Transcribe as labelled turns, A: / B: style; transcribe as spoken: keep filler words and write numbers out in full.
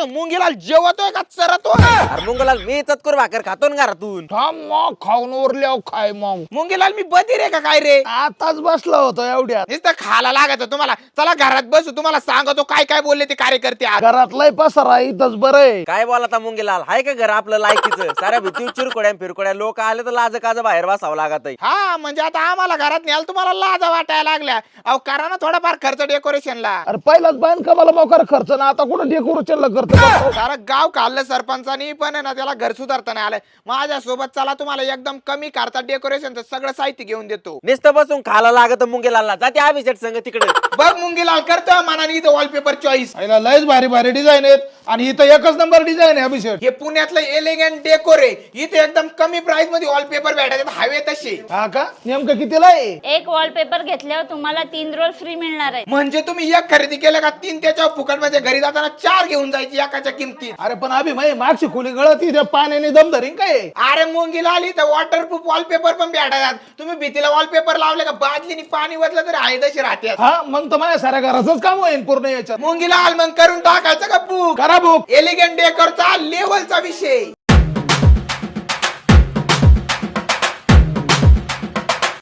A: मुंगीलाल जेवतोय का चरतोय?
B: अरे मुंगलाल मी चतकुर भाकर खातो ना घरातून.
C: थांब मग खाऊन उरल्यावर खाय मग.
A: मुंगीलाल मी बधीर आहे का काय रे?
C: आताच बसला होतो एवढ्यात.
A: नुसतं खायला लागत तुम्हाला. चला घरात बसू, तुम्हाला सांगतो काय काय बोलले ते कार्यकर्ते आज.
C: घरात लय पसारा इथंच बरं आहे.
B: काय बोलाता मुंगीलाल, हाय का घर आपलं लायकीचं? साऱ्या भीती चिरकोड्या फिरकोड्या लोक आले तर लाज काज बाहेर बसावं लागत.
A: हा म्हणजे आता आम्हाला घरात न्याल तुम्हाला लाजा वाटायला लागल्या. अहो करा ना थोडाफार खर्च डेकोरेशनला.
C: अरे पहिलाच बांधकामाला मोकार खर्च ना, आता कुठं डेकोरेशनला करतो.
A: सारं गाव खाल्लं सरपंचानी, पण आहे ना त्याला घर सुधारता नाही आलंय. माझ्या सोबत चला, तुम्हाला एकदम कमी खर्चात डेकोरेशनचं सगळं साहित्य घेऊन देतो.
B: नुसतं बसून खायला लागत मुंगीलालला. जाते अभिषेक संघ तिकडे.
A: बघ मुंगीलाल करतो मनाने इथं वॉलपेपर चॉईस.
C: लयच भारी भारी डिझाईन आहेत आणि इथं एकच नंबर डिझाईन आहे अभिषेक.
A: हे पुण्यातलं एलिगंट डेकोर आहे. इथे एकदम कमी प्राइस मध्ये वॉलपेपर भेटायचे हवे तसे.
C: हा का? नेमकं कितीला आहे?
D: एक वॉलपेपर घेतल्यावर तुम्हाला तीन रोल फ्री मिळणार आहे.
A: म्हणजे तुम्ही एक खरेदी केलं का तीन त्याच्यावर फुकट मध्ये घरी जाताना चार घेऊन जायची एकाच्या किमतीत.
C: अरे पण अभि माई मागची खोली गळत त्या पाण्याने दम धरीन काय?
A: अरे मुंगीलाल इथं वॉटरप्रूफ वॉलपेपर पण भेटतात. तुम्ही भीतीला वॉलपेपर लावले का बादलीने पाणी वतलं तरी आहे तशी राहते.
C: हा मग तर माझ्या साऱ्या घराचंच काम होईल पूर्ण याच्यात.
A: मुंगीलाल मग करून टाकायचं का बुक?
C: करा बुक.
A: एलिगंट डेकोरचा लेवलचा विषय.